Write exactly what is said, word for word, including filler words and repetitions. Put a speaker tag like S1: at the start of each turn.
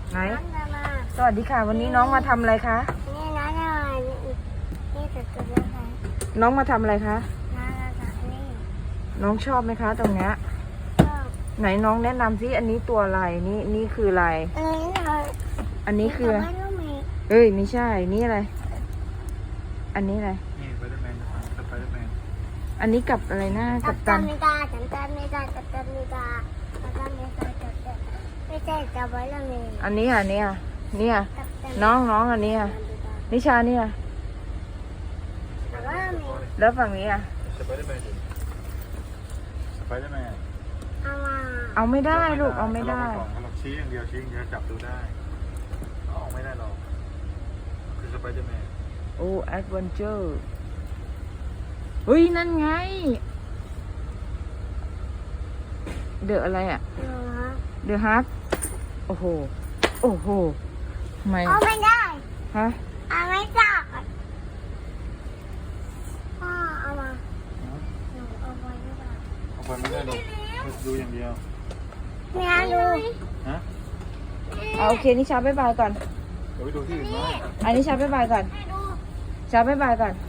S1: ไหนสวัสดีค่ะวันนี้น้องมาทำอะไรคะ
S2: นี่น้องจะมานี่สุดตัวเลยค่ะ
S1: น้องมาทำอะไรคะ
S2: น้องจะนี่
S1: น้องชอบไหมคะตรงเนี้ย
S2: ชอบ
S1: ไหนน้องแนะนำซิอันนี้ตัวอะไรนี่นี่คืออะไร
S2: อันนี้เรา
S1: อันนี้คือเอ้ยไม่ใช่นี่อะไรอันนี้อะไร
S3: นี่สไปเดอร์แมนสไปเดอร์แมน
S1: อันนี้กับอะไรนะ
S2: กั
S1: กับตัน
S2: ไม่ได้กัปตันไม่ได้กัปตันไม่ได้กัปตันไม่ได้กัปตันไม่ใช่สไปเดอร์แมน
S1: อันนี้อ่ะเนี่ยเนี่ยน้องน้องอันนี้อ่ะนิชาเนี่ยแล้วฝั่งนี้อ่ะ
S3: สไปเดอร์แมนสไปเดอร์แมน
S2: เอามา
S1: เอาไม่ได้ลูกเอาไม่ได้
S3: เราชี้อย่างเดียวชี้อย่างเดียวจับดูได้เอาไม่ได้หรอกคือสไปเดอร์แมน
S1: โอ้แอดเวนเจอร์เฮ้ยนั่นไงเดอะอะไรอ่ะเดอะฮักโอ้โหโอ้โหไม่
S2: เอาไม่ได้
S1: ฮะ
S2: เอาไม่ได้พ่อเอามาหนูเอาไว้ไม่ได้
S3: เอาไปไม่ได้หรอกดูอย่างเดียว
S2: เนี่ยดู
S3: ฮะ
S1: เอาโอเคนิชาบ๊ายบายก่อน
S3: เดี๋ยวไปดูที่อื่นบ้าง
S1: อันนี้ชาบ๊ายบายก่อนชาบ๊ายบายก่อน